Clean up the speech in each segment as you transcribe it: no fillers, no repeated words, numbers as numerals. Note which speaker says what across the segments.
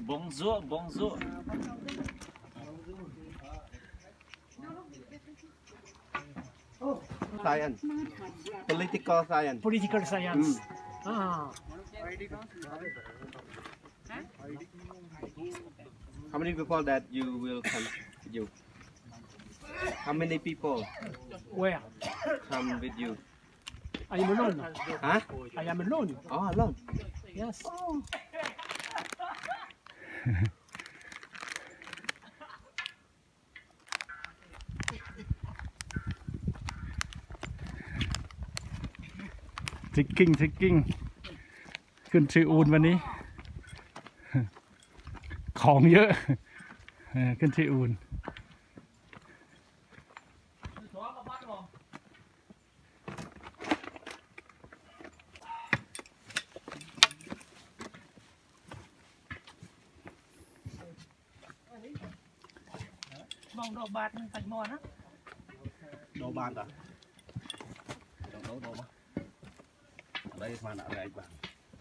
Speaker 1: Bonjour, bonjour.
Speaker 2: Science. Political science.
Speaker 3: Political science. Ah.
Speaker 2: How many people that you will come you? How many people
Speaker 3: Where?
Speaker 2: come with you?
Speaker 3: I am alone.
Speaker 2: Huh?
Speaker 3: I am alone.
Speaker 2: Oh, alone.
Speaker 3: Yes.
Speaker 4: trekking ขึ้นชื่ออูนวันนี้ ของเยอะขึ้นชื่ออูน
Speaker 3: Mong đồ bạt thành mòn á.
Speaker 2: Đồ bàn à? Đồ đồ mà. Ở đây mà đã đây bạn.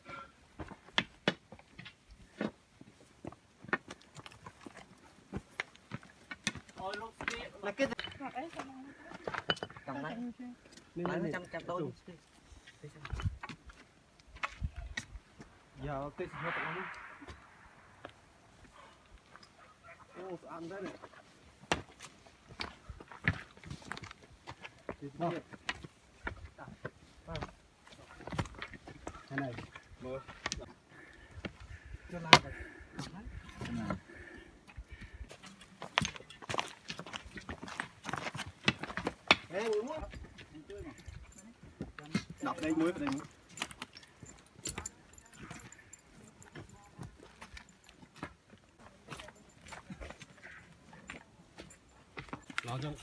Speaker 2: Là cái
Speaker 1: Cầm đấy.
Speaker 2: này
Speaker 1: Chăm tôi.
Speaker 2: giờ cái gì hết rồi. Ô, ăn đấy này. Cái này. Rồi. Cho làm rồi. Đọc đây muối vào đây muối. Nó trong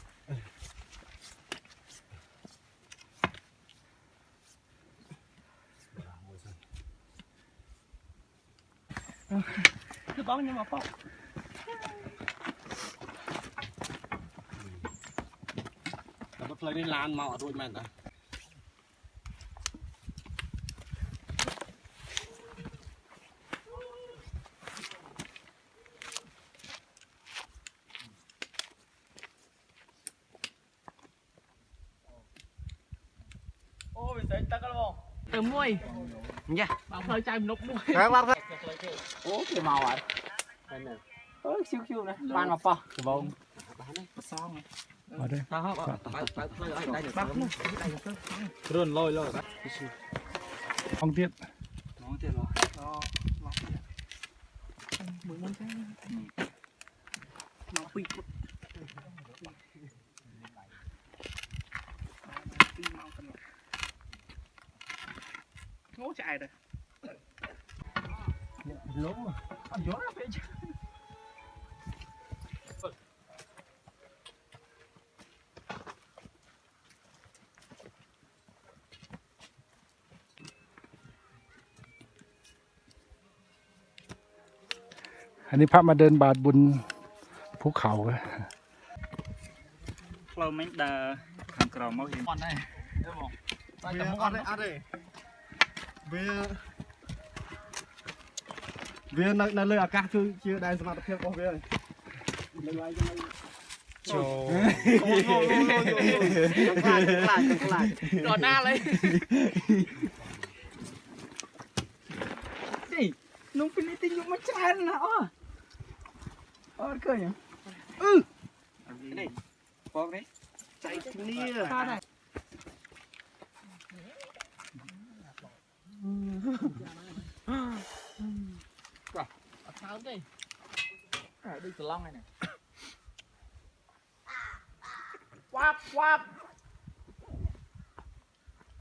Speaker 3: Cứ bóng nhưng mà bóng.
Speaker 2: nó play đi lan màu rồi mà ta.
Speaker 1: Ô, mình thấy tắc không?
Speaker 3: Từ muôi.
Speaker 1: Nha.
Speaker 3: Bảo hơi chai nục muôi.
Speaker 2: Các bác
Speaker 1: Ô, cái màu à? Ôi, siêu này. Ban mà po. Cái bông. Xong này.
Speaker 4: เอาด้วย
Speaker 1: Run lôi lôi.
Speaker 4: ท้องเตี้ย
Speaker 1: Nó tiền rồi.
Speaker 3: Mười món cái. Nó quy cút. Ngố chạy rồi.
Speaker 1: Lố mà.
Speaker 3: Ăn gió nó phải chứ.
Speaker 4: อันนี้พระมาเดินบาทบุญภูเขา
Speaker 1: Flow mấy đà thằng cò máu hiểm. Con này. Đấy không?
Speaker 2: ăn đây. Về nó lời cả chưa đây xem tập của về.
Speaker 1: Trời.
Speaker 3: Lại. Đỏ na lấy. Gì? Nung pinitin yung machan na. Cười nhỉ?
Speaker 1: Đây. Con đấy.
Speaker 2: Chạy nia.
Speaker 3: Sao này? Sao đây? Đi từ long này này. Quap quap.